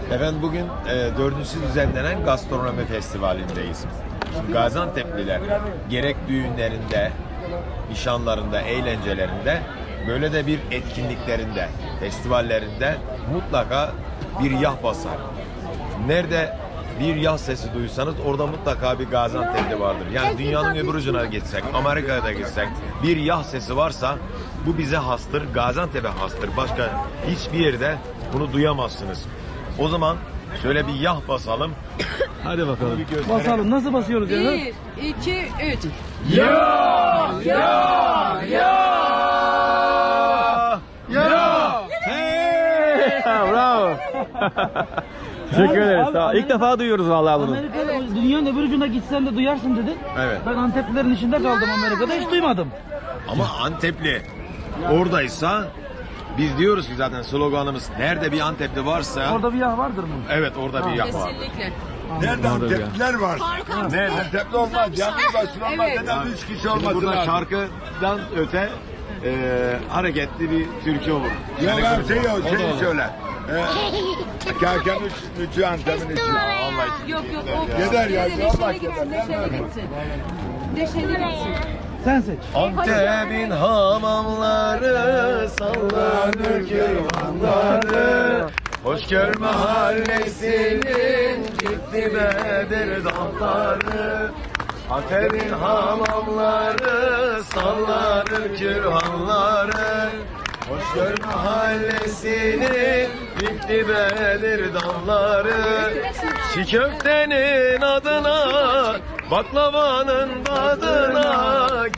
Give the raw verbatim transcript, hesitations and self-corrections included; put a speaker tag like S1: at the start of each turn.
S1: Efendim bugün e, dördüncüsü düzenlenen gastronomi festivalindeyiz. Şimdi Gaziantep'liler gerek düğünlerinde, nişanlarında, eğlencelerinde, böyle de bir etkinliklerinde, festivallerinde mutlaka bir yah basar. Nerede bir yah sesi duysanız orada mutlaka bir Gaziantep'li vardır. Yani dünyanın öbür ucuna gitsek, Amerika'ya da gitsek bir yah sesi varsa bu bize hastır, Gaziantep'e hastır. Başka hiçbir yerde bunu duyamazsınız. O zaman şöyle bir yah basalım.
S2: Hadi bakalım.
S1: Bir
S2: Basalım. Nasıl basıyoruz ya?
S3: Bir, iki, üç.
S1: Ya ya ya ya.
S2: Hey! Bravo. Teşekkür ederiz.
S4: Abi,
S2: Sağ ol. İlk
S4: Amerika-
S2: defa duyuyoruz vallahi bunu.
S4: Amerika, dünyanın öbür ucuna gitsen de duyarsın dedin.
S1: Evet.
S4: Ben Anteplilerin içinde kaldım Amerika'da, hiç duymadım.
S1: Ama Antepli oradaysa biz diyoruz ki zaten sloganımız nerede bir Antepli varsa
S4: Orada bir yağ vardır mı?
S1: evet orada bir yah var.
S3: Kesinlikle.
S5: Nerede
S2: Orada bir
S5: Antepliler var?
S3: Fark
S1: Ne?
S5: Antepli olmaz. Yalnız başına olmaz.
S3: Evet.
S5: Neden üç kişi
S1: Şimdi
S5: olması
S1: burada
S5: lazım?
S1: şarkıdan öte e, hareketli bir türkü olur.
S5: Yok abi şey yok.
S1: O da
S5: Şey
S1: olur.
S5: söyle. Ee, Kerkem üç, üçü Antep'in içi.
S1: Vallahi
S3: Yok yok o.
S5: Yeter ya,
S3: Neşeli
S5: Allah
S3: gitsin,
S5: yeter.
S3: neşeli gitsin. Neşeli gitsin.
S4: Sen seç.
S1: Antep'in hamamları sallanır kervanları. Hoşgör mahallesinin ciddi bedir damları. Antep'in hamamları sallanır kürhanları. Hoşgör mahallesinin ciddi bedir damları. Çiğ köftenin adına, baklavanın tadına